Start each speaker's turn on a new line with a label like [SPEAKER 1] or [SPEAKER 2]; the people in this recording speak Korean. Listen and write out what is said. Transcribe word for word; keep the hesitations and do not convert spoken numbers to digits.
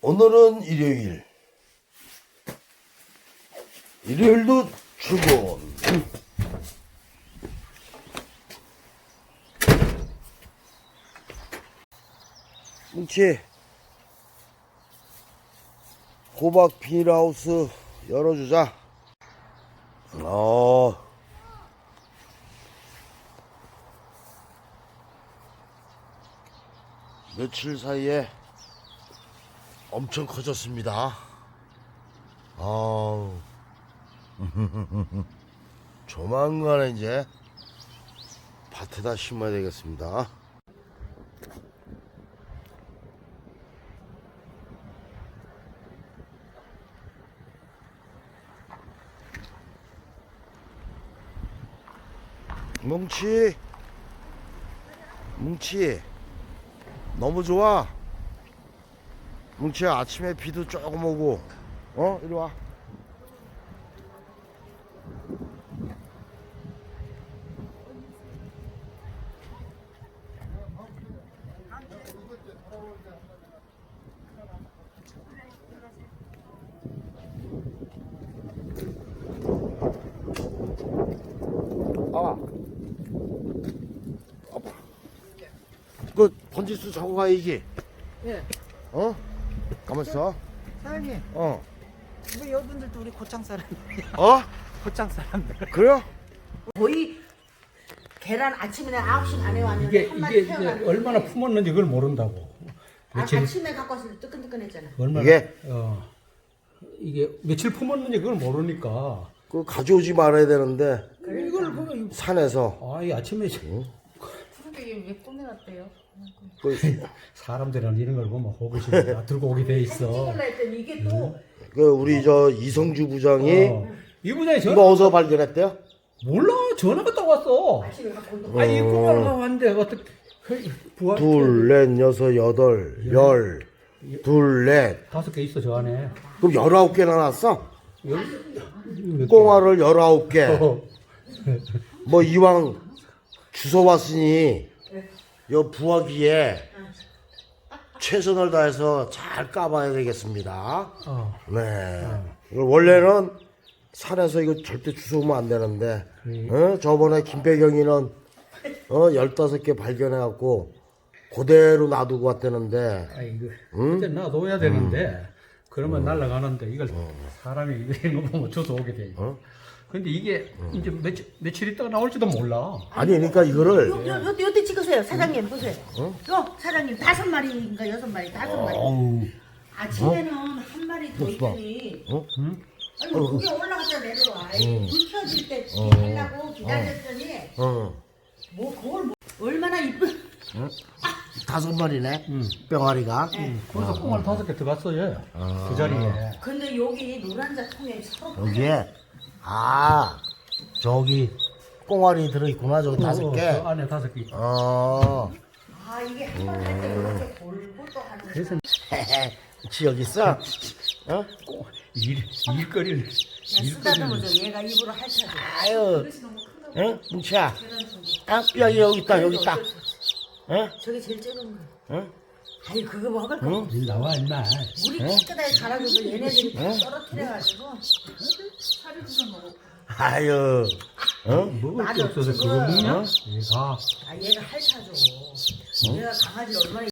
[SPEAKER 1] 오늘은 일요일. 일요일도 출근. 뭉치, 호박 비닐하우스 열어주자. 어. 며칠 사이에 엄청 커졌습니다. 아우. 조만간에 이제 밭에다 심어야 되겠습니다. 뭉치, 뭉치, 너무 좋아. 뭉치야, 아침에 비도 조금 오고, 어? 이리 와. 아, 아빠. 그 번지수 저거 가 이게.
[SPEAKER 2] 예.
[SPEAKER 1] 어? 가만있어.
[SPEAKER 2] 사장님,
[SPEAKER 1] 어.
[SPEAKER 2] 왜 여분들도 우리 고창 사람이에요?
[SPEAKER 1] 어?
[SPEAKER 2] 고창 사람들.
[SPEAKER 1] 그래요?
[SPEAKER 3] 거의 계란 아침에 아홉 시 반에 왔는데
[SPEAKER 4] 이게
[SPEAKER 3] 한 마리
[SPEAKER 4] 이게 이제
[SPEAKER 3] 태어났는데
[SPEAKER 4] 얼마나 품었는지 그걸 모른다고.
[SPEAKER 3] 아,
[SPEAKER 4] 며칠
[SPEAKER 3] 아침에 갖고 왔을 때 뜨끈뜨끈했잖아.
[SPEAKER 4] 얼마나
[SPEAKER 1] 이게?
[SPEAKER 4] 어 이게 며칠 품었는지 그걸 모르니까
[SPEAKER 1] 그 가져오지 말아야 되는데
[SPEAKER 4] 이걸 그
[SPEAKER 1] 산에서.
[SPEAKER 4] 아이 아침에
[SPEAKER 3] 그러게 왜 꾸며놨대요?
[SPEAKER 1] 그,
[SPEAKER 4] 사람들은 이런 걸 보면 호기심 다 들고 오게 돼 있어.
[SPEAKER 3] 찍을라 했더니 이게 또
[SPEAKER 1] 그 우리 저 이성주 부장이
[SPEAKER 4] 어. 이 부장이 전화
[SPEAKER 1] 이거 어디서 발견했대요?
[SPEAKER 4] 몰라 전화가 딱 왔어.
[SPEAKER 3] 아침에 갖고 온다.
[SPEAKER 4] 아니 그걸 왔는데 어떻게 부하
[SPEAKER 1] 둘, 넷, 여섯, 여덟, 열, 둘, 넷.
[SPEAKER 4] 다섯 개 있어 저 안에.
[SPEAKER 1] 그럼 열아홉 개나 났어?
[SPEAKER 4] 열- 몇 개?
[SPEAKER 1] 꽁알을 열아홉 개.
[SPEAKER 4] 어.
[SPEAKER 1] 뭐 이왕 주워 왔으니 요 부화기에 최선을 다해서 잘 까봐야 되겠습니다.
[SPEAKER 4] 어.
[SPEAKER 1] 네. 이거 원래는 산에서 이거 절대 주워오면 안 되는데, 어? 저번에 김배경이는 어 열다섯 개 발견해갖고 그대로 놔두고 왔다는데,
[SPEAKER 4] 아 이거 이제 놔둬야 되는데 그러면 날아가는데 이걸 사람이 이거 보면 주워 오게 돼.
[SPEAKER 1] 어?
[SPEAKER 4] 근데 이게 이제 며칠 며칠 있다가 나올지도 몰라.
[SPEAKER 1] 아니 그러니까 이거를
[SPEAKER 3] 요, 요, 요, 요때 찍으세요. 사장님 보세요. 요 사장님 다섯 마리인가 여섯 마리 다섯 마리.
[SPEAKER 1] 어우,
[SPEAKER 3] 아침에는 한 마리 더 있더니
[SPEAKER 1] 어?
[SPEAKER 3] 아니 그게 올라갔다 내려와. 불 켜질 때 하려고 기다렸더니
[SPEAKER 1] 어,
[SPEAKER 3] 뭐 그걸 뭐, 얼마나 이쁜
[SPEAKER 1] 다섯 마리네, 병아리가.
[SPEAKER 4] 거기서 꽁알 다섯 개 들어갔어 얘. 그 자리에.
[SPEAKER 3] 근데 여기 노란자 통에 서로
[SPEAKER 1] 여기에 아 저기 꽁알이 들어있구나, 저기 다섯
[SPEAKER 4] 어,
[SPEAKER 1] 개.
[SPEAKER 4] 그 안에 다섯 개. 있어.
[SPEAKER 1] 어,
[SPEAKER 3] 아 이게 한 번 할 때 이렇게 골고 또 하는 거.
[SPEAKER 4] 그래서
[SPEAKER 1] 지 여기 있어? 어?
[SPEAKER 4] 일 일거리를 일거리를
[SPEAKER 3] 쓰다듬어줘. 얘가 입으로 핥아줘.
[SPEAKER 1] 아유, 응? 뭉치야. 아, 여기 여기 있다, 여기 있다. 응?
[SPEAKER 3] 저게 제일 작은 거.
[SPEAKER 1] 응?
[SPEAKER 3] 아니 그거 먹을 거.
[SPEAKER 1] 응?
[SPEAKER 4] 일 나와 임마.
[SPEAKER 3] 물이 깨끗하게 갈아줘서 얘네들이 다 떨어뜨려가지고 살이 주서 먹어.
[SPEAKER 1] 아유, 응?
[SPEAKER 4] 먹을 게
[SPEAKER 3] 맞아,
[SPEAKER 4] 없어서
[SPEAKER 3] 지금.
[SPEAKER 4] 그거 먹냐?
[SPEAKER 1] 어?
[SPEAKER 4] 얘가
[SPEAKER 3] 아 얘가 핥아줘. 얘가 강아지 얼마나